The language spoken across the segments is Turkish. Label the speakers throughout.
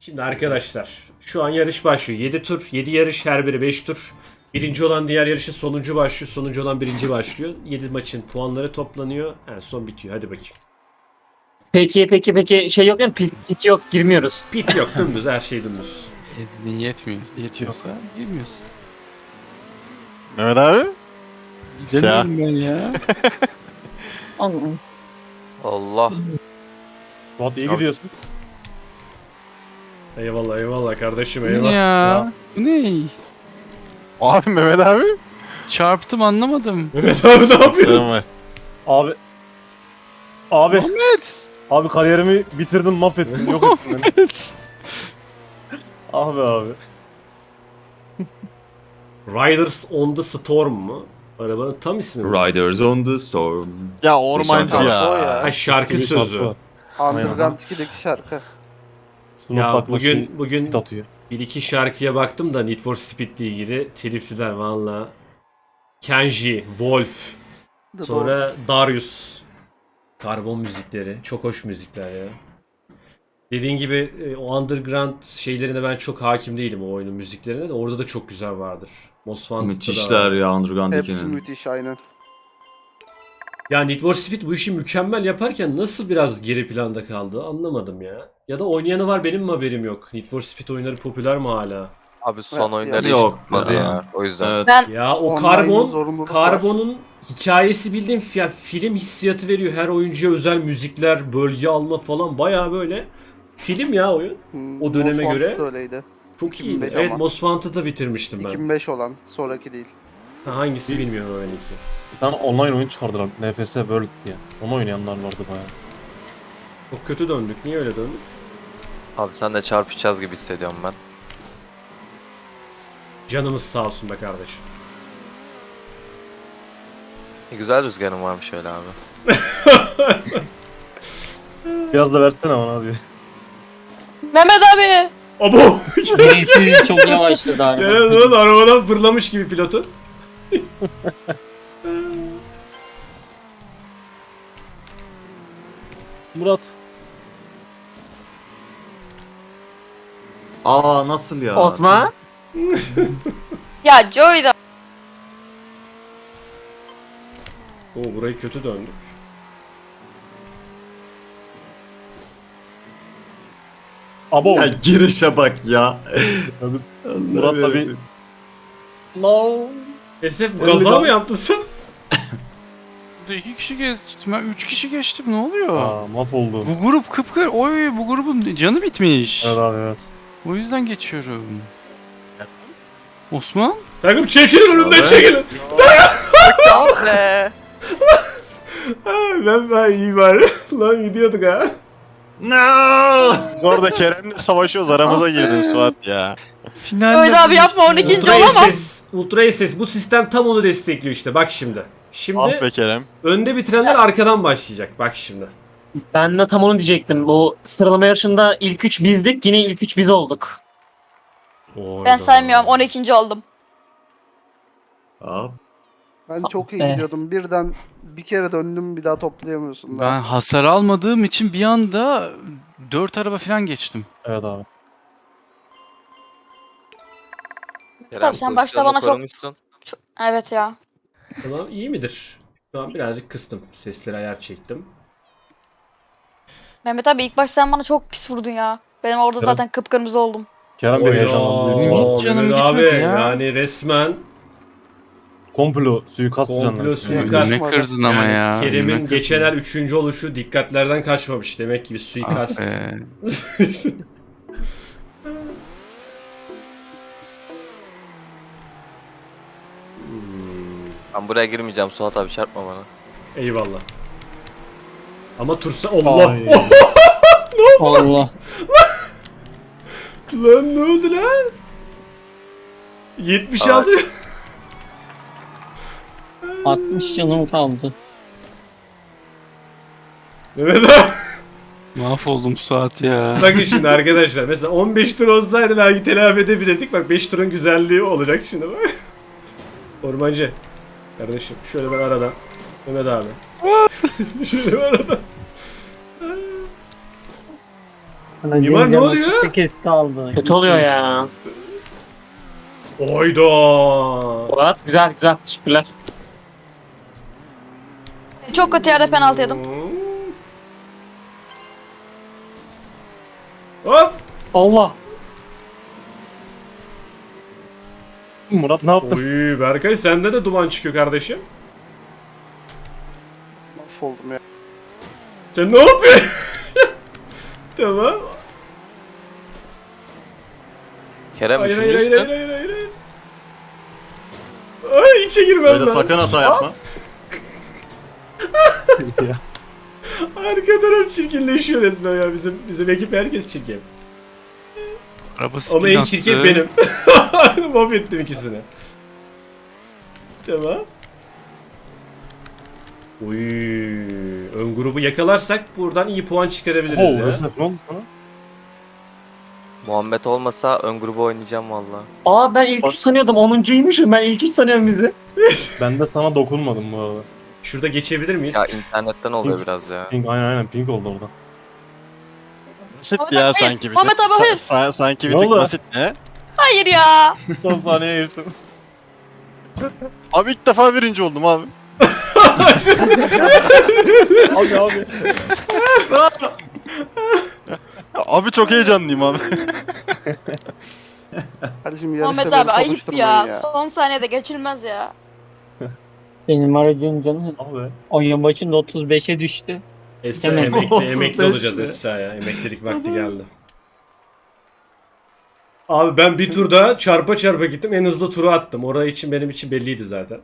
Speaker 1: Şimdi arkadaşlar şu an yarış başlıyor. 7 tur, 7 yarış her biri 5 tur. Birinci olan diğer yarışın sonuncu başlıyor. Sonuncu olan birinci başlıyor. 7 maçın puanları toplanıyor. En son bitiyor. Hadi bakayım.
Speaker 2: Peki şey yok değil mi? Pit yok, girmiyoruz.
Speaker 1: Pit yok, dümdüz, her şey dümdüz.
Speaker 3: İznin yetiyorsa girmiyorsun.
Speaker 4: Mehmet abi?
Speaker 3: Gidemiyorum ben ya.
Speaker 2: Allah'ım.
Speaker 5: Allah.
Speaker 6: Suat iyi gidiyorsun.
Speaker 1: Eyvallah eyvallah kardeşim
Speaker 3: Bu ne
Speaker 1: eyvallah.
Speaker 3: ya? Bu ne?
Speaker 4: Abi Mehmet abi?
Speaker 3: Çarptım anlamadım.
Speaker 1: Mehmet abi ne yapıyor?
Speaker 4: Sorun var.
Speaker 6: Abi
Speaker 3: Ahmet!
Speaker 6: abi kariyerimi bitirdin, mahvettin, yok ettin beni. Abi.
Speaker 1: Riders on the Storm mu? Arabanın tam ismi mi?
Speaker 7: Riders on the Storm.
Speaker 4: Ya ormancı
Speaker 7: Şarkı
Speaker 4: ya.
Speaker 1: Ha, şarkı
Speaker 6: Bir
Speaker 1: sözü.
Speaker 6: şarkı var.
Speaker 5: Underground 2'deki şarkı.
Speaker 6: Sınıf
Speaker 1: Ya
Speaker 6: taklaşı
Speaker 1: bugün
Speaker 6: hit atıyor.
Speaker 1: bir iki şarkıya baktım da Need for Speed'le ilgili telifliler valla. Kenji, Wolf,
Speaker 5: The
Speaker 1: sonra
Speaker 5: Doors.
Speaker 1: Darius. Karbon müzikleri. Çok hoş müzikler ya. Dediğin gibi o underground şeylerine ben çok hakim değilim, o oyunun müziklerine de. Orada da çok güzel vardır. Most Wanted'da da
Speaker 7: Müthişler
Speaker 1: var.
Speaker 7: ya Underground
Speaker 5: Hepsi
Speaker 7: 2'nin.
Speaker 5: müthiş aynen.
Speaker 1: Ya Need for Speed bu işi mükemmel yaparken nasıl biraz geri planda kaldı anlamadım ya. Ya da oynayanı var, benim mi haberim yok? Need for Speed oyunları popüler mi hala?
Speaker 5: Evet,
Speaker 8: Abi son oyunları hiç
Speaker 7: Yok
Speaker 8: tutmadı
Speaker 7: ya.
Speaker 8: ya. O yüzden.
Speaker 7: Evet.
Speaker 9: Ben
Speaker 1: Ya o
Speaker 5: Online'ın zorunluluk var.
Speaker 1: karbonun hikayesi bildiğin film hissiyatı veriyor. Her oyuncuya özel müzikler, bölge alma falan, bayağı böyle film ya oyun. O döneme
Speaker 5: Most
Speaker 1: göre
Speaker 5: Wanted da öyleydi.
Speaker 1: Çok
Speaker 5: 2005
Speaker 1: iyiydi. Evet,
Speaker 5: ama.
Speaker 1: Most Wanted'ı bitirmiştim ben.
Speaker 5: 2005 olan, sonraki değil.
Speaker 1: Ha, hangisi bilmiyorum o iki.
Speaker 6: Bir tane online oyun çıkardılar, NFS World diye. Onu oynayanlar vardı bayağı.
Speaker 1: Çok kötü döndük. Niye öyle döndük?
Speaker 8: Abi sen de çarpışacağız gibi hissediyorum ben.
Speaker 1: Canımız sağ olsun be kardeşim.
Speaker 8: Güzel rüzgarım varmış öyle abi.
Speaker 6: Biraz da versene bana abi.
Speaker 9: Mehmet abi.
Speaker 1: Abo!
Speaker 2: Birisi çok yavaşladı abi.
Speaker 1: Ya lan arabadan fırlamış gibi pilotu.
Speaker 6: Murat.
Speaker 7: Aa nasıl ya?
Speaker 2: Osman.
Speaker 9: Ya Joy da.
Speaker 1: Oo, burayı kötü döndük.
Speaker 6: Abo.
Speaker 7: Ya girişe bak ya.
Speaker 6: Abi,
Speaker 7: Allah
Speaker 6: Murat tabii-
Speaker 7: yarabbim.
Speaker 6: No.
Speaker 1: SF gaza mı yaptın sen?
Speaker 3: Burada 2 kişi geçtim. Ben 3 kişi geçtim. Ne oluyor?
Speaker 6: Aa, mahvoldum.
Speaker 3: Bu grup kıpkır. Oy bu grubun canı bitmiş.
Speaker 6: Evet abi evet.
Speaker 3: O yüzden geçiyorum. Osman?
Speaker 1: Takım çekilin önümden,
Speaker 7: Abi.
Speaker 1: çekilin.
Speaker 8: Ah be!
Speaker 1: Ben iyi bari. Lan gidiyorduk ha.
Speaker 7: No!
Speaker 4: Biz orada Kerem'le savaşıyoruz, aramıza girdin Suat ya.
Speaker 3: Finalde
Speaker 9: Joy da abi yapma 12.
Speaker 1: Ultra
Speaker 9: olamam.
Speaker 1: SS. Ultra SS. Bu sistem tam onu destekliyor işte. Bak şimdi. Şimdi
Speaker 4: Ah be Kerem.
Speaker 1: önde bitirenler arkadan başlayacak. Bak şimdi.
Speaker 2: Ben de tam onu diyecektim. Bu sıralama yarışında ilk 3 bizdik. Yine ilk 3 biz olduk.
Speaker 9: Ben saymıyorum 12. oldum.
Speaker 7: Aa,
Speaker 5: Ben çok iyi
Speaker 2: be.
Speaker 5: gidiyordum. Birden bir kere döndüm, bir daha toplayamıyorsun.
Speaker 3: Ben hasar almadığım için bir anda 4 araba falan geçtim.
Speaker 6: Evet abi.
Speaker 8: Kerem,
Speaker 9: sen başta bana çok-
Speaker 8: korumuşsun.
Speaker 9: Evet ya.
Speaker 1: Tamam, iyi midir? Şu an birazcık kıstım. Sesleri ayar çektim.
Speaker 9: Mehmet abi ilk başta sen bana çok pis vurdun ya. Benim orada
Speaker 6: Kerem.
Speaker 9: zaten kıpkırmızı oldum.
Speaker 6: Kerem beni heyecanlandırdı.
Speaker 3: Benim hiç canım
Speaker 1: Mehmet
Speaker 3: gitmedi
Speaker 1: abi,
Speaker 3: ya.
Speaker 1: yani resmen
Speaker 6: Komplo, suikast
Speaker 1: Komplo,
Speaker 6: düzenlemiş.
Speaker 1: suikast.
Speaker 3: Ne kırdın ama
Speaker 1: yani
Speaker 3: ya.
Speaker 1: Kerem'in
Speaker 3: ne
Speaker 1: geçen
Speaker 3: kırdın?
Speaker 1: el 3. oluşu dikkatlerden kaçmamış. Demek ki bir
Speaker 3: Ah
Speaker 1: suikast.
Speaker 3: be.
Speaker 8: Ben buraya girmeyeceğim Suat abi, çarpma bana.
Speaker 1: Eyvallah. Ama Tursa Allah.
Speaker 6: Ay.
Speaker 2: Allah.
Speaker 1: Lan ne oldu lan? 76.
Speaker 2: 60 canım kaldı.
Speaker 1: Mehmet abi.
Speaker 3: Mahvoldum Suat ya.
Speaker 1: Bakın şimdi arkadaşlar, mesela 15 tur olsaydı belki telafi edebilirdik. Bak 5 turun güzelliği olacak şimdi bak. Ormancı. Kardeşim şöyle ben aradan. Mehmet abi. şöyle ben aradan. Mimar ne oluyor?
Speaker 10: Kesti aldı.
Speaker 2: Kötü oluyor ya.
Speaker 1: Oyda.
Speaker 2: Murat güzel güzel. Teşekkürler.
Speaker 9: Çok kötü yerde penaltı yedim.
Speaker 1: Hop.
Speaker 2: Allah.
Speaker 6: Murat ne yaptın?
Speaker 1: Oy Berkay sende de duman çıkıyor kardeşim.
Speaker 5: Mahvoldum ya.
Speaker 1: Sen ne yapıyorsun? Tamam.
Speaker 8: Kerem
Speaker 1: Hayır hayır hayır
Speaker 8: üçüncüsün.
Speaker 1: hayır hayır hayır. Ay içe girmem
Speaker 7: Böyle
Speaker 1: ben.
Speaker 7: sakın hata yapma.
Speaker 1: Arka taraf çirkinleşiyor resmen ya bizim ekip herkes çirkin.
Speaker 3: Araba
Speaker 1: Ama
Speaker 3: spin
Speaker 1: en
Speaker 3: attı.
Speaker 1: çirkin benim. Mahvettim ikisini. Tamam. Uy, ön grubu yakalarsak buradan iyi puan çıkarabiliriz
Speaker 6: Oo,
Speaker 1: ya.
Speaker 6: Resef ne oldu sana?
Speaker 8: Muhammed olmasa ön grubu oynayacağım valla.
Speaker 2: Aa ben ilk 3 sanıyordum. 10'uncuymuşum. Ben ilk 3 sanıyorum bizi.
Speaker 6: Ben de sana dokunmadım bu arada.
Speaker 1: Şurada geçebilir miyiz?
Speaker 8: Ya internetten oluyor biraz ya.
Speaker 6: Pink aynen pink oldu orada.
Speaker 4: Basit
Speaker 9: Muhammed
Speaker 4: ya
Speaker 9: abi,
Speaker 4: sanki bir tık.
Speaker 9: Muhammed abi, hayır.
Speaker 4: Sanki bir
Speaker 6: Ne
Speaker 4: tık
Speaker 6: oldu?
Speaker 4: basit ne?
Speaker 9: Hayır ya.
Speaker 6: Son saniye geçtim.
Speaker 4: Abi ilk defa birinci oldum abi.
Speaker 6: Abi.
Speaker 4: Ya abi çok heyecanlıyım abi.
Speaker 5: Kardeşim yarışta
Speaker 9: Muhammed
Speaker 5: beni
Speaker 9: abi ayıp
Speaker 5: konuşturmayın
Speaker 9: ya.
Speaker 5: ya.
Speaker 9: Son saniyede geçilmez ya.
Speaker 10: Benim aracın canı
Speaker 6: Abi.
Speaker 10: oyun başında 35'e düştü.
Speaker 1: Esra
Speaker 10: Hemen.
Speaker 1: emekli
Speaker 7: 35
Speaker 1: olacağız
Speaker 7: mi?
Speaker 1: Esra ya. Emeklilik vakti geldi. Abi ben bir turda çarpa çarpa gittim. En hızlı turu attım. Orası için benim için belliydi zaten.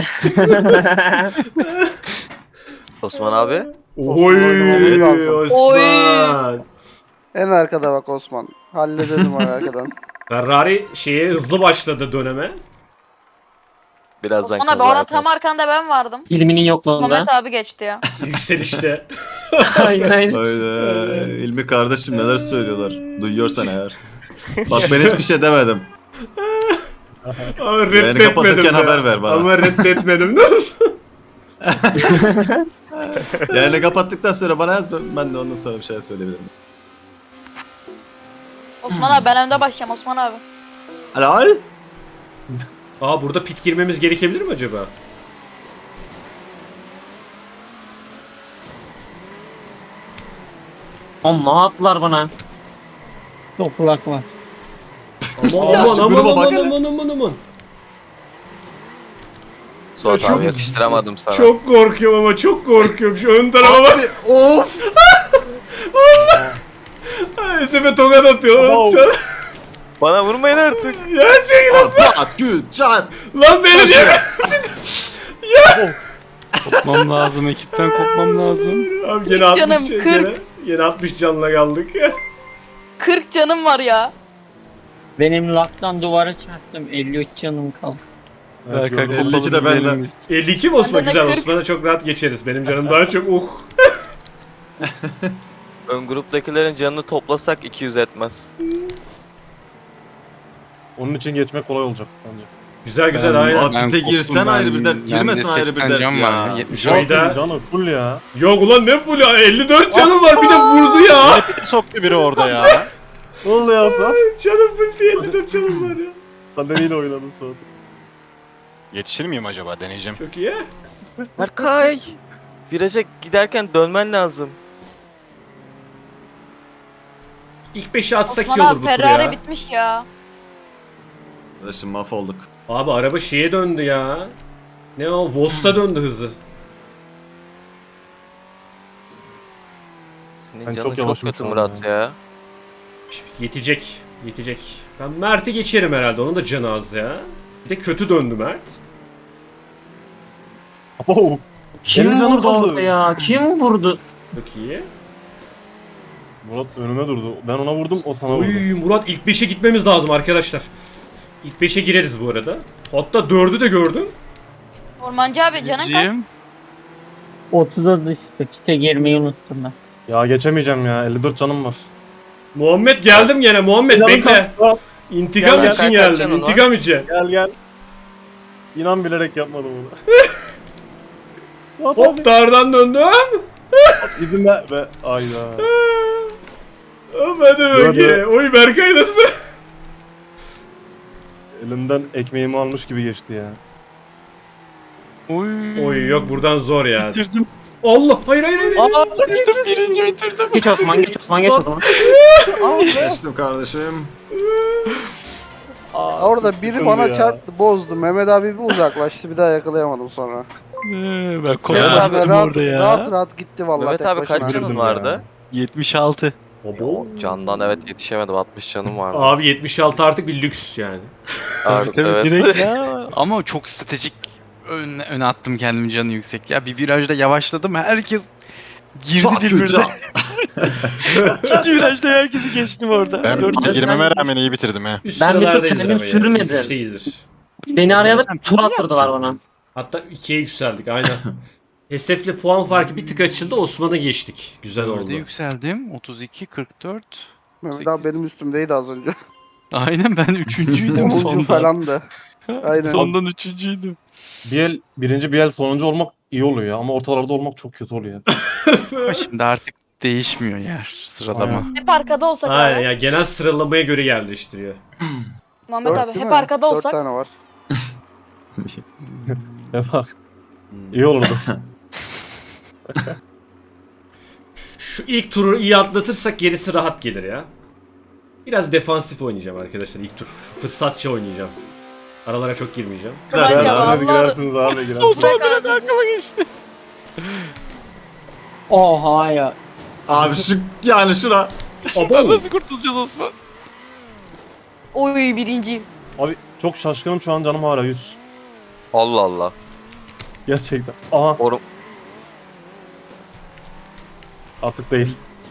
Speaker 8: Osman abi.
Speaker 1: Oy
Speaker 5: oynamak lazım.
Speaker 1: Osman.
Speaker 5: En arkada bak Osman. Halledelim onu arkadan.
Speaker 1: Ferrari şeye hızlı başladı döneme.
Speaker 8: Birazdan
Speaker 9: Osman abi orada
Speaker 8: kaza
Speaker 9: tam arkanda ben vardım.
Speaker 2: İlminin yokluğunda.
Speaker 9: Muhammed abi geçti ya.
Speaker 1: Yükselişte.
Speaker 2: Aynen aynen.
Speaker 7: Öyle. İlmi kardeşim neler söylüyorlar. Duyuyorsan eğer. Bak ben hiçbir şey demedim.
Speaker 1: Ama
Speaker 7: Yani
Speaker 1: reddetmedim
Speaker 7: kapatırken
Speaker 1: de.
Speaker 7: haber ver bana.
Speaker 1: Ama reddetmedim. Nasıl?
Speaker 7: Yani kapattıktan sonra bana yaz ben de ondan sonra bir şey söyleyebilirim.
Speaker 9: Osman abi ben önde başlayayım Osman abi.
Speaker 7: Helal.
Speaker 1: Aa burada pit girmemiz gerekebilir mi acaba?
Speaker 2: Oğlum ne yaptılar bana?
Speaker 10: Çok kulak var.
Speaker 1: Aman
Speaker 7: Ya
Speaker 1: aman
Speaker 7: şu
Speaker 1: aman
Speaker 7: gruba
Speaker 1: aman
Speaker 7: bak hele.
Speaker 1: aman aman aman.
Speaker 8: Suat
Speaker 1: Ya çok-
Speaker 8: abi yakıştıramadım sana.
Speaker 1: Çok korkuyorum ama çok korkuyorum. Şu ön tarafa bak.
Speaker 7: Of.
Speaker 1: Ay, Sefe tokat atıyor.
Speaker 6: Wow.
Speaker 8: Bana vurmayın artık.
Speaker 1: Ya çekil.
Speaker 7: Asat güçat.
Speaker 1: Lan beni niye?
Speaker 3: Kopmam lazım. Ekipten kopmam lazım.
Speaker 1: Abi gene 60
Speaker 9: Canım,
Speaker 1: şey,
Speaker 9: 40.
Speaker 1: gene 60 canla kaldık.
Speaker 9: 40 canım var ya.
Speaker 10: Benim laktan duvara çarptım. 53 canım kaldı.
Speaker 6: Evet,
Speaker 3: Berkay
Speaker 6: gördüm.
Speaker 7: 52 de
Speaker 3: kopalım,
Speaker 7: benden.
Speaker 3: gidelim biz.
Speaker 1: 52 mi Osman?
Speaker 9: Benden de
Speaker 1: Güzel
Speaker 9: 40.
Speaker 1: Osman'a çok rahat geçeriz. Benim canım daha çok
Speaker 8: Ön gruptakilerin canını toplasak 200 etmez.
Speaker 6: Onun için geçmek kolay olacak bence.
Speaker 1: Güzel güzel
Speaker 3: Ben-
Speaker 1: aynen.
Speaker 7: Abi
Speaker 3: Ben
Speaker 7: pite
Speaker 3: koptum
Speaker 7: girsen
Speaker 3: ben.
Speaker 7: ayrı bir dert.
Speaker 3: Bende
Speaker 7: Girmesen ayrı bir
Speaker 3: 80
Speaker 7: dert
Speaker 3: can var
Speaker 7: ya.
Speaker 3: 70
Speaker 1: Joy- Joy'da-
Speaker 6: Canı full ya.
Speaker 1: Yok ulan ne full ya 54 canım var bir de vurdu ya.
Speaker 4: Piti soktu biri orada ya.
Speaker 6: Ne oldu ya Suat?
Speaker 1: Canım full diye 54 canım var ya.
Speaker 6: Kaderiyle oynadım Suat.
Speaker 4: Yetişir miyim acaba deneyeceğim.
Speaker 1: Çok iyi.
Speaker 8: Berkay! Viraja giderken dönmen lazım.
Speaker 1: İlk 5'i atsak iyi
Speaker 9: Osman
Speaker 1: olur
Speaker 9: abi
Speaker 1: bu tur
Speaker 9: Ferrari
Speaker 1: ya.
Speaker 9: bitmiş ya.
Speaker 7: Arkadaşım mahvolduk.
Speaker 1: Abi araba şeye döndü ya. Ne o? Vos'ta döndü hızı.
Speaker 8: Senin
Speaker 6: Ben
Speaker 8: canın
Speaker 6: çok
Speaker 8: çok,
Speaker 6: yavaşım
Speaker 8: kötü
Speaker 6: şu an
Speaker 8: Murat ya.
Speaker 1: Yetecek. Yetecek. Ben Mert'i geçerim herhalde. Onun da canı az ya. Bir de kötü döndü Mert.
Speaker 6: Oh.
Speaker 2: Kim
Speaker 6: Benim canım
Speaker 2: vurdu
Speaker 6: kaldı.
Speaker 2: orada ya? Kim vurdu?
Speaker 1: Çok iyi.
Speaker 6: Murat önüme durdu. Ben ona vurdum, o sana vurdu.
Speaker 1: Uy Murat ilk 5'e gitmemiz lazım arkadaşlar. İlk 5'e gireriz bu arada. Hatta 4'ü de gördüm.
Speaker 9: Ormancı abi canın kaç?
Speaker 3: Birinciyim.
Speaker 10: 30'a düştü. Pite girmeyi unuttum ben.
Speaker 6: Ya geçemeyeceğim ya, 54 canım var.
Speaker 1: Muhammed geldim gene. Muhammed
Speaker 6: Canım
Speaker 1: bekle.
Speaker 6: kalktı, Suat.
Speaker 1: İntikam
Speaker 8: Gel,
Speaker 1: için
Speaker 8: kaç
Speaker 1: geldim.
Speaker 8: canın var?
Speaker 1: İntikam için.
Speaker 6: Gel gel. İnan bilerek yapmadım onu. Suat
Speaker 1: Hop
Speaker 6: abi.
Speaker 1: dardan döndüm.
Speaker 6: İzin ver. Ve ayda.
Speaker 1: Hadi bakayım. Oy Berkay nasıl?
Speaker 6: Elimden ekmeğimi almış gibi geçti ya.
Speaker 1: Oy yok buradan zor ya.
Speaker 3: Bitirdim.
Speaker 1: Allah hayır hayır hayır.
Speaker 3: Birinci bitirdim.
Speaker 2: Geç Osman, geç Osman, geç Osman.
Speaker 7: Geçtim kardeşim.
Speaker 5: Orada biri
Speaker 6: Sıkıldı
Speaker 5: bana
Speaker 6: ya.
Speaker 5: çarptı, bozdu. Mehmet abi bir uzaklaştı, bir daha yakalayamadım sonra.
Speaker 3: Ben
Speaker 5: Mehmet
Speaker 3: koştum
Speaker 5: abi rahat,
Speaker 3: orada ya.
Speaker 5: rahat rahat gitti vallahi
Speaker 8: Mehmet
Speaker 5: tek
Speaker 8: abi
Speaker 5: başına.
Speaker 8: kaç canın
Speaker 6: Üzüldüm
Speaker 8: vardı?
Speaker 6: ya.
Speaker 3: 76.
Speaker 1: Abo.
Speaker 8: Candan evet yetişemedim. 60 canım vardı.
Speaker 1: Abi 76 artık bir lüks yani.
Speaker 8: Artık
Speaker 3: Tabii
Speaker 8: evet.
Speaker 3: direkt ya. Ama çok stratejik öne attım kendimi canı yüksek. Ya bir virajda yavaşladım. Herkes girdi birbirine.
Speaker 7: Patlıcan.
Speaker 3: İkinci virajda herkesi geçtim orada.
Speaker 4: Ben
Speaker 3: Dört-
Speaker 4: girmeme rağmen iyi bitirdim ha.
Speaker 1: Üst
Speaker 2: Ben bir tur
Speaker 1: sıralardayızdır
Speaker 2: kendim
Speaker 1: ama ya.
Speaker 2: sürmedim.
Speaker 1: Üçteyizdir.
Speaker 2: Beni arayarak
Speaker 3: Sen
Speaker 2: tur
Speaker 3: ne
Speaker 2: attırdılar bana.
Speaker 1: Hatta 2'ye yükseldik aynen. Esef'le puan farkı bir tık açıldı. Osman'a geçtik. Güzel oldu.
Speaker 3: Dörde yükseldim. 32, 44.
Speaker 5: Mehmet abi benim üstümdeydi az önce.
Speaker 3: Aynen ben üçüncüydüm
Speaker 5: 10.
Speaker 3: sondan.
Speaker 5: falandı. Aynen.
Speaker 3: Sondan üçüncüydüm.
Speaker 6: Birinci bir el sonuncu olmak iyi oluyor ya ama ortalarda olmak çok kötü oluyor.
Speaker 3: Ama şimdi artık değişmiyor yer sıralama.
Speaker 6: Aynen.
Speaker 9: Hep arkada olsak
Speaker 1: Aynen
Speaker 9: abi.
Speaker 1: ya genel sıralamaya göre yerleştiriyor.
Speaker 9: Muhammed
Speaker 5: Dört
Speaker 9: abi
Speaker 5: değil
Speaker 9: hep
Speaker 5: mi?
Speaker 9: arkada
Speaker 5: 4
Speaker 9: olsak.
Speaker 5: tane var.
Speaker 6: Ya bak. İyi olurdu.
Speaker 1: Şu ilk turu iyi atlatırsak gerisi rahat gelir ya. Biraz defansif oynayacağım arkadaşlar ilk tur. Fırsatçı oynayacağım. Aralara çok girmeyeceğim.
Speaker 7: Dersin
Speaker 9: Ya
Speaker 7: abi.
Speaker 6: Hadi
Speaker 9: vallahi-
Speaker 6: girersiniz abi girersiniz.
Speaker 9: Bırak abi.
Speaker 10: Oha ya.
Speaker 7: Abi şu yani şura.
Speaker 1: Abo.
Speaker 3: Nasıl kurtulacağız Osman?
Speaker 9: Oy birinciyim.
Speaker 6: Abi çok şaşkınım şu an canım hala 100.
Speaker 8: Allah Allah.
Speaker 6: Gerçekten. Aha
Speaker 8: Orum.
Speaker 6: artık değil.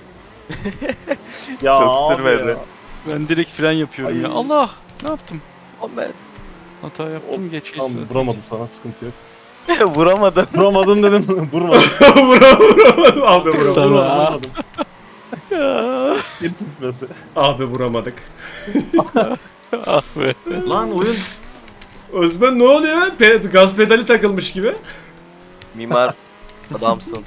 Speaker 6: ya
Speaker 8: Çok
Speaker 6: abi
Speaker 8: sürmedi.
Speaker 6: ya.
Speaker 3: Ben direkt fren yapıyorum
Speaker 6: Ay.
Speaker 3: ya. Allah! Ne yaptım?
Speaker 8: Ahmet.
Speaker 3: Hata yaptım geç geç.
Speaker 6: Tamam vuramadım sana sıkıntı yok.
Speaker 8: Vuramadım.
Speaker 6: Vuramadım dedim vurmadım.
Speaker 1: Vuramadım. Abi vuramadık.
Speaker 3: Tamam.
Speaker 6: Vuramadım. Gerisi gitmesi.
Speaker 1: Abi vuramadık.
Speaker 3: Ah be.
Speaker 7: Lan oyun.
Speaker 1: Özben ne oluyor? Gaz pedali takılmış gibi.
Speaker 8: Mimar adamsın.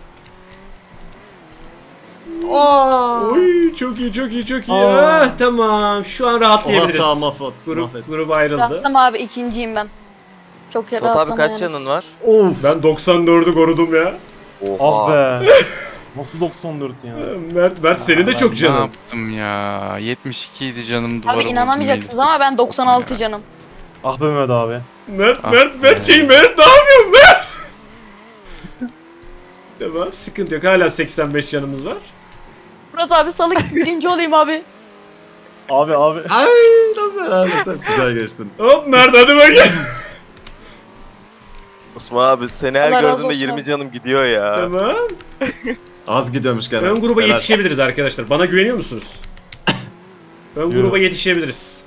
Speaker 7: Aa!
Speaker 1: Oy çok iyi çok iyi çok iyi.
Speaker 6: Aa.
Speaker 1: Ah, tamam şu an
Speaker 7: O
Speaker 1: rahatlayabiliriz.
Speaker 7: hata mahvet.
Speaker 1: Grup ayrıldı.
Speaker 9: Rahattım abi ikinciyim ben. Çok
Speaker 8: Suat
Speaker 9: rahattım
Speaker 8: abi kaç
Speaker 9: yani.
Speaker 8: canın var?
Speaker 7: Of.
Speaker 1: Ben 94'ü korudum ya.
Speaker 8: Oha.
Speaker 6: Ah be. Nasıl 94 ya?
Speaker 1: Mert senin de
Speaker 3: Ben
Speaker 1: çok
Speaker 3: Ne
Speaker 1: canın.
Speaker 3: yaptım ya? 72 idi canım duvara
Speaker 9: Abi
Speaker 3: vurdum,
Speaker 9: inanamayacaksınız
Speaker 3: neyse.
Speaker 9: ama ben 96
Speaker 3: Ya.
Speaker 9: canım.
Speaker 6: Ah be Mehmet abi.
Speaker 1: Mert
Speaker 3: Ah
Speaker 1: Mert
Speaker 3: be.
Speaker 1: Mert ne yapıyorsun Mert? Tamam sıkıntı yok hala 85 canımız var.
Speaker 9: Murat abi salık birinci olayım abi.
Speaker 6: Abi.
Speaker 7: Ay nasıl herhalde sen güzel geçtin.
Speaker 1: Hop Mert hadi bakayım.
Speaker 8: Osman abi seni her
Speaker 9: Allah razı
Speaker 8: gördüğümde
Speaker 9: olsun
Speaker 8: 20
Speaker 9: abi.
Speaker 8: canım gidiyor ya.
Speaker 1: Tamam.
Speaker 7: Az gidiyormuş gene.
Speaker 1: Ön gruba
Speaker 7: Helal.
Speaker 1: yetişebiliriz arkadaşlar. Bana güveniyor musunuz? Ön
Speaker 6: Yok.
Speaker 1: gruba yetişebiliriz.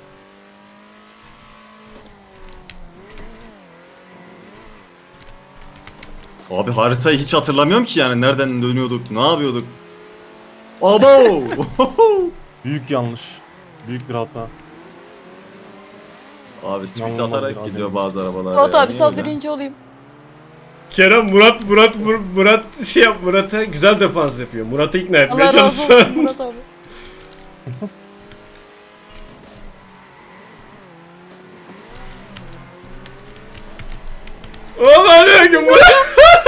Speaker 7: Abi haritayı hiç hatırlamıyorum ki yani nereden dönüyorduk, ne yapıyorduk. Abo!
Speaker 6: Büyük yanlış. Büyük bir hata.
Speaker 7: Abi sis
Speaker 6: İnanılmaz
Speaker 7: atarak
Speaker 6: bir
Speaker 7: gidiyor
Speaker 6: adam.
Speaker 7: bazı arabalar.
Speaker 9: Murat
Speaker 7: ya,
Speaker 9: abi
Speaker 7: niye
Speaker 9: sal
Speaker 7: öyle?
Speaker 9: birinci olayım.
Speaker 1: Kerem Murat şey yap Murat'a güzel defans yapıyor. Murat'ı ikna etmeye
Speaker 9: Allah razı
Speaker 1: çalışsın.
Speaker 9: olsun Murat abi.
Speaker 1: Oğlum hadi bakayım Murat.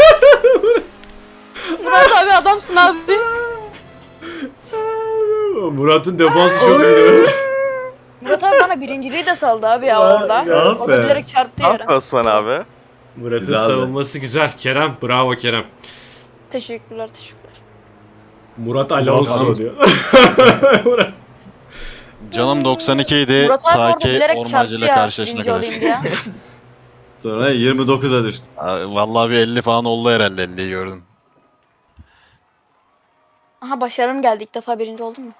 Speaker 9: Murat abi adamsın abi.
Speaker 1: Murat'ın defansı çok iyi.
Speaker 9: Murat abi bana birinciliği de saldı abi ya
Speaker 1: Ya,
Speaker 9: orada.
Speaker 1: ya
Speaker 9: O
Speaker 7: be.
Speaker 9: da bilerek çarptı
Speaker 8: Ne
Speaker 9: yere.
Speaker 8: yapıyor Osman abi?
Speaker 1: Murat'ın
Speaker 7: Güzeldi.
Speaker 1: savunması güzel. Kerem bravo Kerem.
Speaker 9: Teşekkürler.
Speaker 1: Murat Alonso
Speaker 6: Murat-
Speaker 1: diyor. Murat.
Speaker 4: Canım 92 idi.
Speaker 9: Murat abi
Speaker 4: Ta
Speaker 9: orada
Speaker 4: ki
Speaker 9: bilerek
Speaker 4: ormancı
Speaker 9: çarptı
Speaker 4: ile
Speaker 9: ya
Speaker 4: karşılaşana
Speaker 9: birinci
Speaker 4: kadar.
Speaker 9: olayım diye.
Speaker 7: Sonra 29'a düştü.
Speaker 4: Vallahi bir 50 falan oldu herhalde 50'yi gördüm.
Speaker 9: Aha başarım geldi ilk defa birinci oldum mu?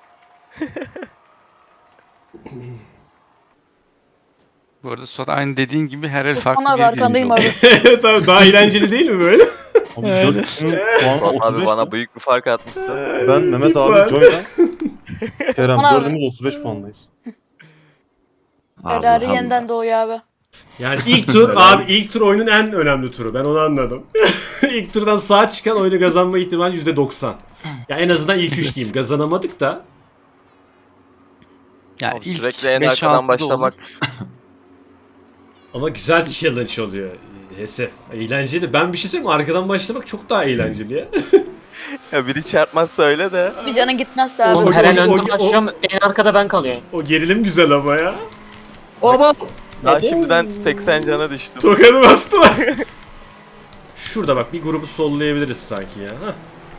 Speaker 3: Bu arada Suat aynı dediğin gibi her el farklı
Speaker 9: Osman abi
Speaker 3: bir
Speaker 9: arkandayım
Speaker 3: birinci
Speaker 9: abi.
Speaker 1: Tabii daha eğlenceli değil mi böyle?
Speaker 6: Abi 4'ün puanı
Speaker 8: Suat
Speaker 6: 35.
Speaker 8: abi bana büyük bir fark atmışsın.
Speaker 6: Ben Mehmet
Speaker 1: Lütfen.
Speaker 6: abi Joy'dan. Kerem
Speaker 9: Osman abi.
Speaker 6: dördümüz 35 puandayız.
Speaker 9: Ferrari yeniden doğuyor abi.
Speaker 1: Yani ilk tur abi ilk tur oyunun en önemli turu. Ben onu anladım. İlk turdan sağ çıkan oyunu kazanma ihtimali %90. Ya en azından ilk 3 diyeyim. Kazanamadık da
Speaker 3: Ya
Speaker 8: Abi
Speaker 3: ilk
Speaker 8: sürekli en
Speaker 3: 5-6'da
Speaker 8: arkadan başlamak.
Speaker 1: Ama güzel challenge oluyor. Hesef. Eğlenceli. Ben bir şey söyleyeyim mi? Arkadan başlamak çok daha eğlenceli ya.
Speaker 8: Ya biri çarpmazsa öyle de.
Speaker 9: Bir canın gitmezse abi.
Speaker 2: Oğlum
Speaker 1: o-
Speaker 2: her en
Speaker 1: o-
Speaker 2: önden başlıyorum, en arkada ben kalıyorum.
Speaker 1: O gerilim güzel ama ya.
Speaker 7: Oba!
Speaker 8: Daha şimdiden 80 cana düştüm.
Speaker 1: Tokadı bastılar. Şurada bak bir grubu sollayabiliriz sanki ya. Hah.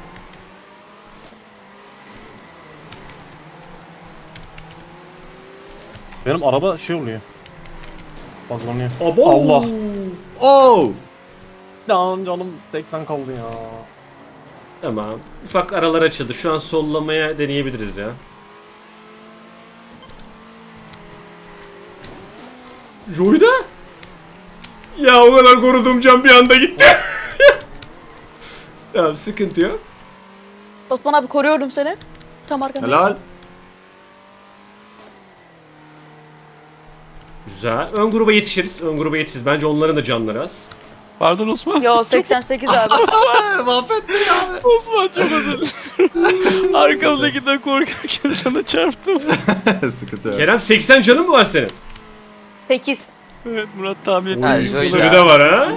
Speaker 6: Benim araba şey oluyor. Baklanıyor.
Speaker 1: Abo!
Speaker 6: Allah.
Speaker 7: Oh!
Speaker 6: Lan canım 80 kaldı ya.
Speaker 1: Tamam. Ufak aralar açıldı. Şu an sollamaya deneyebiliriz ya. Joy'da? Ya o kadar koruduğum can bir anda gitti. Tamam sıkıntı yok.
Speaker 9: Osman abi koruyorum seni. Tam arkanda.
Speaker 7: Helal.
Speaker 1: Güzel. Ön gruba yetişiriz. Ön gruba yetişiriz. Bence onların da canları az.
Speaker 3: Pardon Osman.
Speaker 9: Yo 88 abi.
Speaker 7: Mahvettin abi.
Speaker 3: Osman çok özür dilerim. Arkamdakinden korkarken sana çarptım.
Speaker 7: Sıkıntı yok.
Speaker 1: Kerem 80 canın mı var senin?
Speaker 9: 8.
Speaker 3: Evet Murat tahmin ettim.
Speaker 8: Ha,
Speaker 1: Oy,
Speaker 8: Joy
Speaker 1: sırrı
Speaker 8: ya.
Speaker 1: da var ha.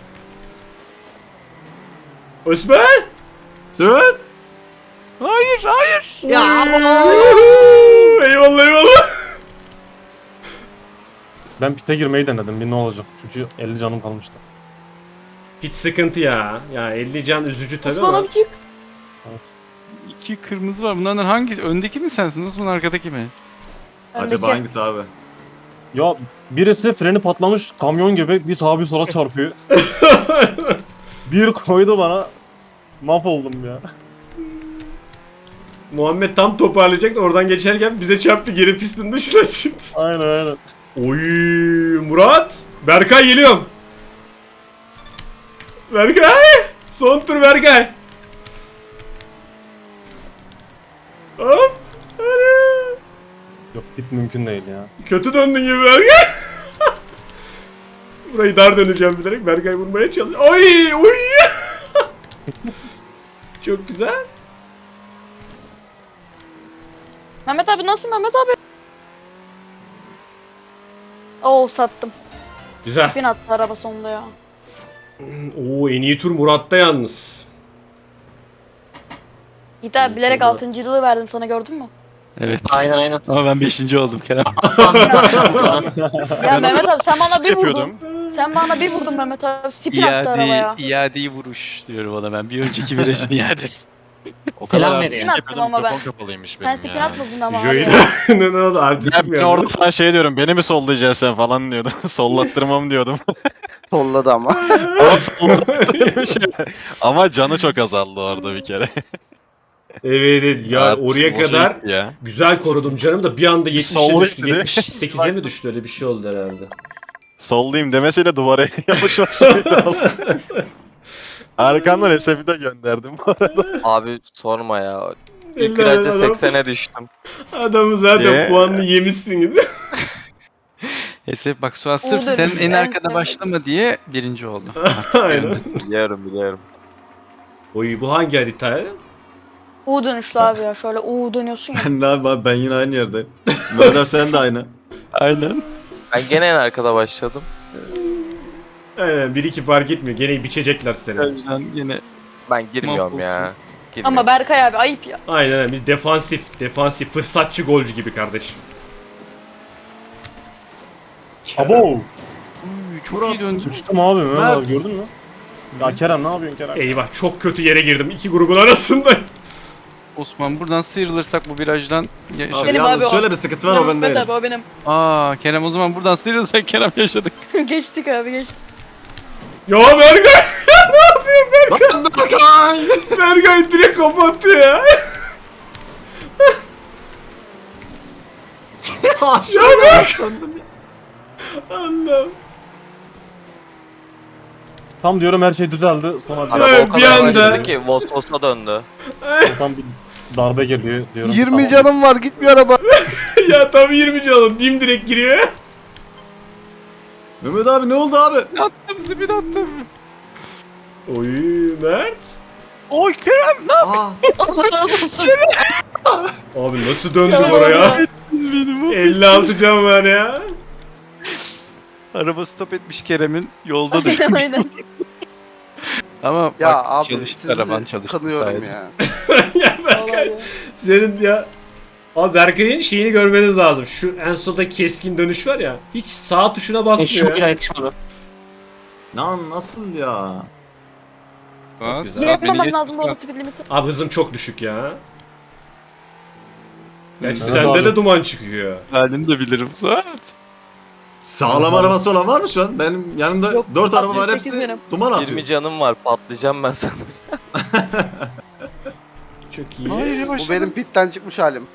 Speaker 1: Osman!
Speaker 7: Süt!
Speaker 3: Hayır hayır.
Speaker 7: Ya
Speaker 1: Eyvallah eyvallah.
Speaker 6: Ben pite girmeyi denedim. Bir ne olacak? Çünkü 50 canım kalmıştı.
Speaker 1: Hiç sıkıntı ya. Ya 50 can üzücü tabii
Speaker 9: Osman
Speaker 1: ama.
Speaker 9: abi çık.
Speaker 6: Evet.
Speaker 3: 2 kırmızı var. Bunlardan hangisi? Öndeki mi sensin Osman arkadaki mi?
Speaker 7: Acaba
Speaker 9: Öndeki.
Speaker 7: hangisi abi?
Speaker 6: Ya birisi freni patlamış kamyon gibi bir sağa bir sola çarpıyor. Bir koydu bana. Mahvoldum ya.
Speaker 1: Muhammed tam toparlayacak da oradan geçerken bize çarptı, geri pistin dışına çıktı.
Speaker 6: Aynen aynen.
Speaker 1: Oy Murat. Berkay geliyorum. Berkay. Son tur Berkay. Hop. Hadi.
Speaker 6: Yok pit mümkün değil ya.
Speaker 1: Kötü döndün gibi Berkay. Burayı dar döneceğim bilerek Berkay vurmaya çalış. Oy oy. Çok güzel.
Speaker 9: Mehmet abi nasıl Mehmet abi? Oo sattım.
Speaker 1: Güzel.
Speaker 9: Spin attı araba sonunda ya.
Speaker 1: Oo en iyi tur Murat'ta yalnız.
Speaker 9: Yiğit abi bilerek 6.'lığı verdim sana gördün mü?
Speaker 3: Evet.
Speaker 2: Aynen aynen.
Speaker 3: Ama ben 5. oldum Kerem.
Speaker 9: Ya Mehmet abi sen bana bir vurdun.
Speaker 4: yapıyordum.
Speaker 9: Sen bana bir vurdun Mehmet abi. Spin attı arabaya.
Speaker 3: İadeyi vuruş diyorum ona ben. Bir önceki virajın iade.
Speaker 4: O
Speaker 2: Selam
Speaker 4: kadar
Speaker 2: veriyor.
Speaker 4: artistik
Speaker 9: Attım
Speaker 4: yapıyordum,
Speaker 9: ama ben.
Speaker 4: mikrofon kapalıymış
Speaker 9: Sen
Speaker 4: benim
Speaker 9: spin
Speaker 4: ya.
Speaker 9: atmadın ama abi.
Speaker 1: Joy'da ne oldu artistik mi
Speaker 4: Ben
Speaker 1: ya?
Speaker 4: orada sana şey diyorum, beni mi sollayacaksın sen falan diyordum. Sollattırmam diyordum.
Speaker 5: Solladı ama.
Speaker 4: Ama sollattırmış. Ama canı çok azaldı orada bir kere.
Speaker 1: Evet, evet ya
Speaker 4: Artık
Speaker 1: oraya
Speaker 4: boşa
Speaker 1: kadar
Speaker 4: gitti ya.
Speaker 1: güzel korudum canım da bir anda 70'e
Speaker 4: Sollayayım
Speaker 1: düştü.
Speaker 4: dedi.
Speaker 1: 78'e mi düştü, öyle bir şey oldu herhalde.
Speaker 4: Sollayayım demesiyle duvara yapışması lazım. Arkamdan SF'i de gönderdim bu arada.
Speaker 8: Abi sorma ya. İlk
Speaker 1: Eller
Speaker 8: virajda
Speaker 1: adam.
Speaker 8: 80'e düştüm.
Speaker 1: Adamı zaten
Speaker 4: Ye.
Speaker 1: puanını yemişsiniz.
Speaker 3: Esef bak Suat sırf
Speaker 9: Oldu.
Speaker 3: sen en
Speaker 9: En
Speaker 3: arkada
Speaker 9: sevdiğim.
Speaker 3: başlama diye 1. oldu.
Speaker 1: Aynen.
Speaker 8: Biliyorum.
Speaker 1: Oy bu hangi harita?
Speaker 9: U dönüşlü abi ya. Şöyle U dönüyorsun ya.
Speaker 7: Ne abi ben yine aynı yerdeyim. Madem sen de aynı.
Speaker 3: Aynen.
Speaker 8: Ben gene en arkada başladım.
Speaker 1: Aynen 1-2 fark etmiyor. Gene biçecekler seni.
Speaker 3: O yüzden yine
Speaker 8: Ben girmiyorum ya.
Speaker 9: Ama Berkay abi ayıp ya.
Speaker 1: Aynen biz defansif fırsatçı golcü gibi kardeşim.
Speaker 6: Abo!
Speaker 3: Uy, çok iyi döndü.
Speaker 6: Uçtum abi Mehmet
Speaker 7: Mert.
Speaker 6: abi gördün mü? Ya Kerem ne yapıyorsun Kerem?
Speaker 1: Eyvah çok kötü yere girdim. İki grubun arasında.
Speaker 3: Osman buradan sıyrılırsak bu virajdan
Speaker 7: Abi
Speaker 3: yaşadık.
Speaker 9: Benim
Speaker 7: yalnız
Speaker 9: abi o.
Speaker 7: şöyle bir sıkıntı var o ben
Speaker 9: Mehmet
Speaker 7: değilim.
Speaker 9: abi o benim.
Speaker 3: Aa Kerem o zaman buradan sıyrılırsak Kerem yaşadık.
Speaker 9: Geçtik abi geçtik.
Speaker 1: Ya Berkay! Ne yapıyorsun Berkay? Berkay direkt kapattı ya.
Speaker 7: Aşağıya yaşlandım ya.
Speaker 1: Allah'ım.
Speaker 6: Tam diyorum her şey düzeldi. Sonra
Speaker 8: Araba
Speaker 1: Evet,
Speaker 8: o
Speaker 1: bir
Speaker 8: kadar
Speaker 1: anda-
Speaker 8: başladı ki Vosvos'a döndü.
Speaker 6: tam bir darbe geliyor diyorum.
Speaker 5: 20
Speaker 6: tamam.
Speaker 5: canım var gitmiyor araba.
Speaker 1: Ya tam 20 canım. Dim direkt giriyor.
Speaker 7: Mehmet abi ne oldu abi?
Speaker 3: Attım spin attım.
Speaker 1: Oy Mert.
Speaker 3: Oy Kerem ne
Speaker 7: Aa,
Speaker 9: Allah razı olsun.
Speaker 1: Abi nasıl döndüm
Speaker 9: Ya
Speaker 1: oraya?
Speaker 9: Allah.
Speaker 3: Benim o.
Speaker 1: 56 can var ya.
Speaker 3: Araba stop etmiş Kerem'in. Yolda
Speaker 9: Aynen
Speaker 3: düşmüş.
Speaker 9: aynen.
Speaker 3: Ama
Speaker 5: Ya
Speaker 3: bak,
Speaker 5: abi
Speaker 3: çalıştı
Speaker 5: sizi
Speaker 3: araban çalıştı
Speaker 5: kanıyorum
Speaker 3: sayede.
Speaker 5: ya.
Speaker 1: Ya Berkay,
Speaker 9: Vallahi.
Speaker 1: senin ya. Abi Berkay'ın şeyini görmeniz lazım. Şu en sonda keskin dönüş var ya. Hiç sağ tuşuna
Speaker 2: Şu
Speaker 1: basmıyor
Speaker 2: bile
Speaker 1: ya.
Speaker 2: yakışmadı.
Speaker 7: Lan nasıl ya?
Speaker 3: Bak,
Speaker 1: güzel.
Speaker 3: beni
Speaker 9: Yapmamam
Speaker 3: geç-
Speaker 9: lazım da o speed limiti.
Speaker 1: Abi hızım çok düşük ya. Gerçi
Speaker 6: Evet
Speaker 1: sende
Speaker 6: abi.
Speaker 1: de duman çıkıyor.
Speaker 3: Halini de bilirim Suat.
Speaker 7: Sağlam arabası olan var mı şu an? Benim yanımda
Speaker 9: Yok,
Speaker 7: 4 araba var
Speaker 9: 68
Speaker 7: hepsi
Speaker 9: benim.
Speaker 7: duman
Speaker 8: 20
Speaker 7: atıyor.
Speaker 8: canım var patlayacağım ben sana.
Speaker 1: Çok iyi.
Speaker 3: Hayır
Speaker 5: Bu
Speaker 3: yavaşladım.
Speaker 5: benim pitten çıkmış halim.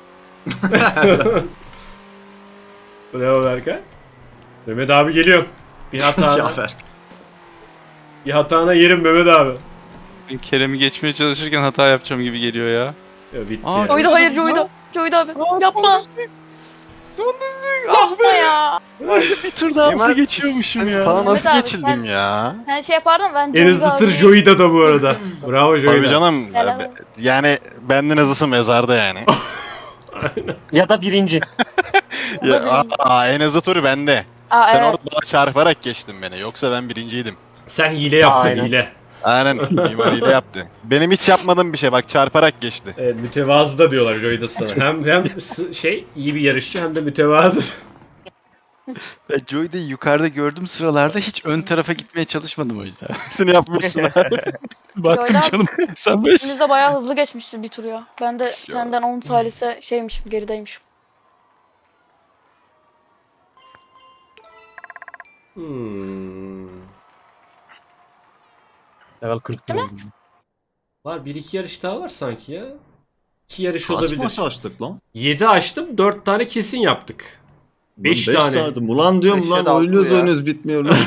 Speaker 1: Bravo Berkay. Mehmet abi geliyor. Bir hatana,
Speaker 7: Şafer.
Speaker 1: bir hatana yerim Mehmet abi.
Speaker 3: Ben Kerem'i geçmeye çalışırken hata yapacağım gibi geliyor ya.
Speaker 1: Ya bitti
Speaker 3: Aa,
Speaker 1: ya.
Speaker 9: Joy'da hayır Joy'da. Joy'da abi. Yapma.
Speaker 3: Son düzlük. Ah
Speaker 9: Yapma ya.
Speaker 3: bir tur daha hızlı geçiyormuşum ya.
Speaker 4: Sana nasıl
Speaker 9: Mehmet abi,
Speaker 4: geçildim
Speaker 9: sen-
Speaker 4: ya?
Speaker 9: Sen şey yapardın ben
Speaker 1: En hızlı tır Joy'da da bu arada. Bravo
Speaker 4: Tabii
Speaker 1: Joy'da.
Speaker 4: canım.
Speaker 9: Helal.
Speaker 4: Yani benden hızlısı mezarda yani.
Speaker 2: Ya da birinci.
Speaker 4: Ya, en hızlı turu bende.
Speaker 9: Aa,
Speaker 4: Sen
Speaker 9: evet.
Speaker 4: orada bana çarparak geçtin beni. Yoksa ben birinciydim.
Speaker 1: Sen hile yaptın
Speaker 2: Aynen.
Speaker 1: hile.
Speaker 4: Aynen. Mimariyle yaptı. Benim hiç yapmadığım bir şey. Bak çarparak geçti.
Speaker 1: Evet mütevazı da diyorlar Joy'da sana. Hem şey iyi bir yarışçı hem de mütevazı.
Speaker 3: Joy'da yukarıda gördüm sıralarda hiç ön tarafa gitmeye çalışmadım o yüzden.
Speaker 4: Hepsini yapmışsın abi.
Speaker 3: Baktım
Speaker 9: Joy'da-
Speaker 3: canım sen böyle
Speaker 9: İkiniz de bayağı hızlı geçmişiz bir tur ya. Ben de senden 10 salise şeymişim gerideymişim.
Speaker 6: Level 40 oldu.
Speaker 1: Var 1-2 yarış daha var sanki ya. 2 yarış
Speaker 7: Kaç
Speaker 1: olabilir.
Speaker 7: maç açtık lan?
Speaker 1: 7 açtım 4 tane kesin yaptık. 5
Speaker 7: Beş
Speaker 1: tane.
Speaker 7: sardım. Ulan diyorum
Speaker 5: Beş
Speaker 7: lan
Speaker 5: ya da altı
Speaker 7: oynuyoruz
Speaker 5: ya.
Speaker 7: oynuyoruz bitmiyor lan.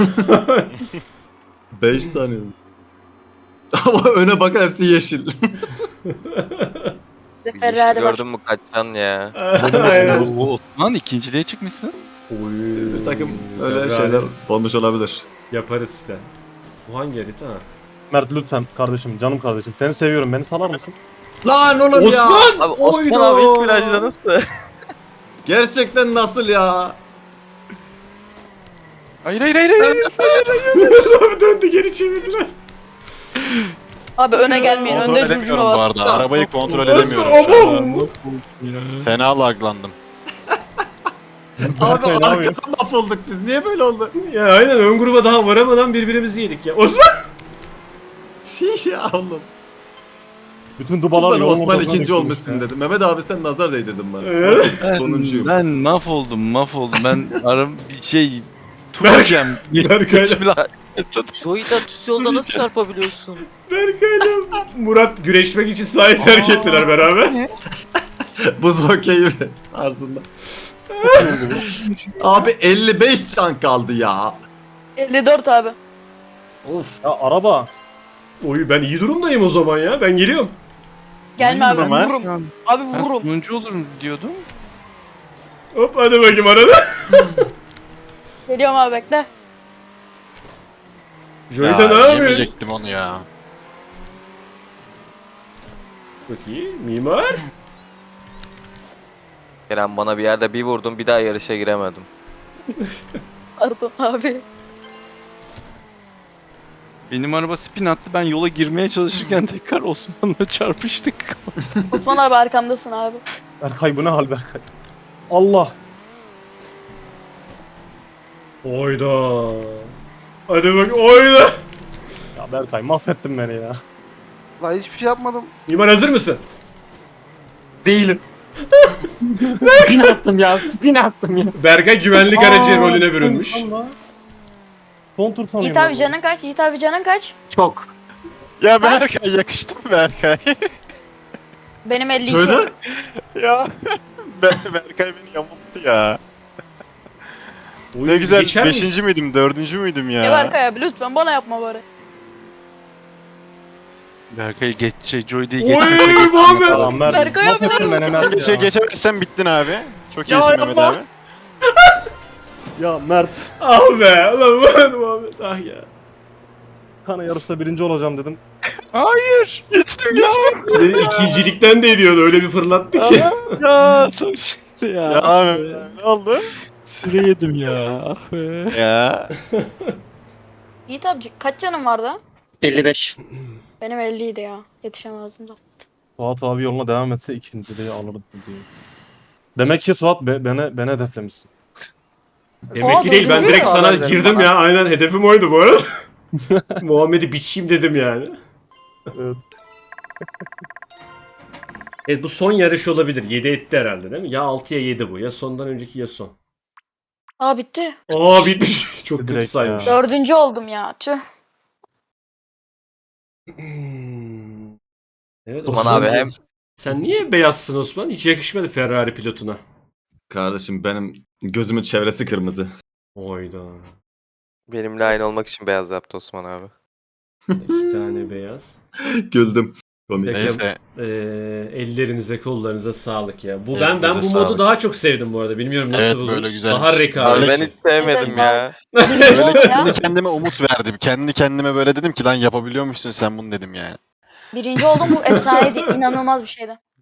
Speaker 7: 5 saniye. Ama öne bakar hepsi yeşil.
Speaker 9: Bir de
Speaker 8: Bir
Speaker 9: Ferrari var.
Speaker 8: gördün mü kaçan ya.
Speaker 1: Aynen.
Speaker 3: Oo, Osman ikinciliğe çıkmışsın.
Speaker 1: Oy.
Speaker 7: Bir takım öyle
Speaker 1: Ferrari.
Speaker 7: şeyler olmuş olabilir.
Speaker 1: Yaparız işte. Bu hangi harita? Ha.
Speaker 6: Mert lütfen kardeşim, canım kardeşim. Seni seviyorum. Beni salar mısın?
Speaker 7: Lan oğlum ya!
Speaker 1: Osman!
Speaker 8: Abi Osman
Speaker 1: Oyda!
Speaker 8: abi ilk virajda nasıl?
Speaker 7: Gerçekten nasıl ya?
Speaker 3: Hayır hayır hayır hayır.
Speaker 1: Abi döndü geri çevirdiler.
Speaker 9: Abi öne gelmeyin.
Speaker 4: Kontrol
Speaker 9: Önde
Speaker 4: edemiyorum
Speaker 9: curcuna
Speaker 4: bu
Speaker 9: var.
Speaker 4: arada. Arabayı kontrol
Speaker 1: Osman,
Speaker 4: edemiyorum şu an.
Speaker 1: abo!
Speaker 4: Fena laglandım.
Speaker 7: Abi
Speaker 6: Ne yapıyor?
Speaker 7: arkadan mahvolduk biz. Niye böyle oldu?
Speaker 1: Ya aynen ön gruba daha varamadan birbirimizi yedik ya. Osman!
Speaker 7: Ya oğlum.
Speaker 6: Bütün dubalar
Speaker 7: Ben
Speaker 6: yolun
Speaker 7: Osman
Speaker 6: ortasına
Speaker 7: ikinci
Speaker 6: dökülmüş
Speaker 7: olmuşsun
Speaker 6: ya.
Speaker 7: dedim. Mehmet abi sen nazar değdirdin bana.
Speaker 1: Evet.
Speaker 7: Sonuncuyum.
Speaker 3: Ben mahvoldum. Ben bir şey
Speaker 1: Berkay-
Speaker 3: turacağım.
Speaker 1: Berkay'la-
Speaker 8: Joy'da düz yolda nasıl çarpabiliyorsun?
Speaker 1: Berkay'la Murat güreşmek için sahayı terk ettiler beraber.
Speaker 7: Buz hokeyi tarzında. Abi 55 can kaldı ya.
Speaker 9: 54 abi.
Speaker 7: Of.
Speaker 6: Ya araba.
Speaker 1: Oy ben iyi durumdayım o zaman ya. Ben geliyorum.
Speaker 9: Gelme abi
Speaker 4: Ömer.
Speaker 9: vururum. Abi
Speaker 3: Ben
Speaker 9: vururum.
Speaker 3: sonuncu olurum diyordum.
Speaker 1: Hop hadi bakayım arada.
Speaker 9: Geliyorum abi bekle.
Speaker 1: Joy'da ne
Speaker 4: Ya
Speaker 1: yapıyor?
Speaker 4: yemeyecektim onu ya.
Speaker 1: Çok iyi. Mimar.
Speaker 8: Kerem bana bir yerde bir vurdun bir daha yarışa giremedim.
Speaker 9: Pardon abi.
Speaker 3: Benim araba spin attı. Ben yola girmeye çalışırken tekrar Osman'la çarpıştık.
Speaker 9: Osman abi arkamdasın abi.
Speaker 6: Berkay bu ne hal Berkay? Allah.
Speaker 1: Oyda. Hadi bak oyda.
Speaker 6: Ya Berkay mahvettin beni ya.
Speaker 5: Lan hiçbir şey yapmadım.
Speaker 1: Mimar hazır mısın?
Speaker 2: Değilim. Spin attım ya. Spin attım ya.
Speaker 1: Berkay güvenlik aracı rolüne bürünmüş.
Speaker 6: Son tur sanıyorum.
Speaker 9: Yiğit abi
Speaker 6: ben.
Speaker 9: canın kaç? Yiğit abi canın kaç?
Speaker 2: Çok.
Speaker 4: Ya Berkay yakıştı mı Berkay?
Speaker 9: Benim 52.
Speaker 7: Şöyle.
Speaker 4: ya Berkay beni yamulttu ya.
Speaker 1: Oy,
Speaker 4: Ne güzel
Speaker 1: geçer
Speaker 4: 5.
Speaker 1: misin?
Speaker 4: müydüm 4. müydüm ya?
Speaker 9: Ya Berkay abi lütfen bana yapma bari.
Speaker 3: Berkay Joy'da
Speaker 1: Oy Muhammed.
Speaker 6: Tamam Mert.
Speaker 9: Berkay abi
Speaker 6: mahvettin beni Mert ya.
Speaker 4: Geçemezsen bittin abi. Çok
Speaker 1: Ya
Speaker 4: iyisin
Speaker 1: yapma.
Speaker 4: Mehmet abi.
Speaker 6: Ya Mert.
Speaker 1: Ah be. Ulan Muhammed ah ya.
Speaker 6: Kana yarışta birinci olacağım dedim.
Speaker 3: Hayır. Geçtim.
Speaker 1: Seni ikincilikten de ediyordu öyle bir fırlattı ki.
Speaker 3: Ya ya.
Speaker 4: Ya abi ne oldu?
Speaker 3: Süre yedim ya. Ah be.
Speaker 4: Ya.
Speaker 9: Yiğit abi kaç canın vardı?
Speaker 2: 55.
Speaker 9: Benim 50 idi ya. Yetişemezdim de.
Speaker 6: Suat abi yoluna devam etse ikinciliği alırdı diye. Demek ki Suat beni hedeflemişsin.
Speaker 1: Demek ki değil, ben direkt sana girdim ya. Aynen hedefim oydu bu arada. Muhammed'i biçeyim dedim yani.
Speaker 6: Evet.
Speaker 1: Evet, bu son yarış olabilir. 7 etti herhalde değil mi? Ya 6 ya 7 bu. Ya sondan önceki ya son.
Speaker 9: Aa bitti.
Speaker 1: Aa bitmiş. Çok kötü
Speaker 6: Direkt
Speaker 1: saymış.
Speaker 6: ya.
Speaker 9: 4. oldum ya. Tüh.
Speaker 1: Evet,
Speaker 8: Osman abi hem
Speaker 1: Sen niye beyazsın Osman? Hiç yakışmadı Ferrari pilotuna.
Speaker 7: Kardeşim benim gözümün çevresi kırmızı.
Speaker 1: Oyda.
Speaker 8: benimle aynı olmak için beyaz yaptı Osman abi.
Speaker 1: 2 tane beyaz.
Speaker 7: Güldüm. Komik.
Speaker 1: Peki.
Speaker 4: Neyse.
Speaker 1: Ellerinize kollarınıza sağlık ya. Bu
Speaker 4: Evet,
Speaker 1: ben bu
Speaker 4: bize
Speaker 1: modu
Speaker 4: sağlık.
Speaker 1: daha çok sevdim bu arada. Bilmiyorum nasıl
Speaker 4: Evet,
Speaker 1: buldunuz.
Speaker 4: böyle güzelmiş.
Speaker 1: Daha
Speaker 8: Abi
Speaker 1: rekabetçi.
Speaker 8: ben hiç sevmedim ya.
Speaker 9: Birinci
Speaker 4: Böyle
Speaker 9: oldum ya.
Speaker 4: kendi kendime umut verdim. Kendi kendime böyle dedim ki lan yapabiliyormuşsun sen bunu dedim yani.
Speaker 9: Birinci oldum, bu efsaneydi. İnanılmaz bir şeydi.